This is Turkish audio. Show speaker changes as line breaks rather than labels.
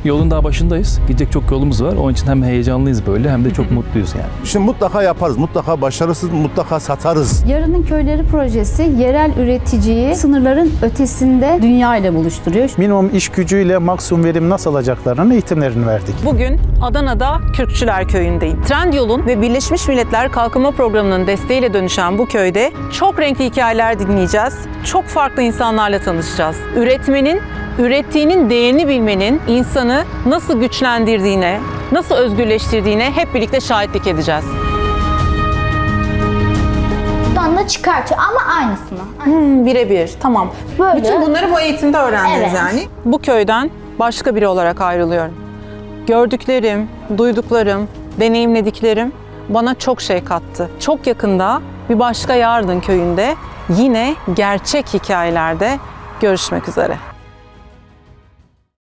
Yolun daha başındayız. Gidecek çok yolumuz var. Onun için hem heyecanlıyız böyle hem de çok mutluyuz yani.
Şimdi mutlaka yaparız, mutlaka başarırız, mutlaka satarız.
Yarının Köyleri projesi yerel üreticiyi sınırların ötesinde dünya ile buluşturuyor.
Minimum iş gücüyle maksimum verim nasıl alacaklarının eğitimlerini verdik.
Bugün Adana'da Kürkçüler Köyü'ndeyim. Trendyol'un ve Birleşmiş Milletler Kalkınma Programı'nın desteğiyle dönüşen bu köyde çok renkli hikayeler dinleyeceğiz. Çok farklı insanlarla tanışacağız. Üretmenin, ürettiğinin değerini bilmenin insanı nasıl güçlendirdiğine, nasıl özgürleştirdiğine hep birlikte şahitlik edeceğiz.
Buradan da çıkartıyor ama aynısını.
Birebir, tamam.
Böyle.
Bütün bunları bu eğitimde öğrendiniz
Evet.
yani. Bu köyden başka biri olarak ayrılıyorum. Gördüklerim, duyduklarım, deneyimlediklerim bana çok şey kattı. Çok yakında bir başka Yardın Köyü'nde yine gerçek hikayelerde görüşmek üzere.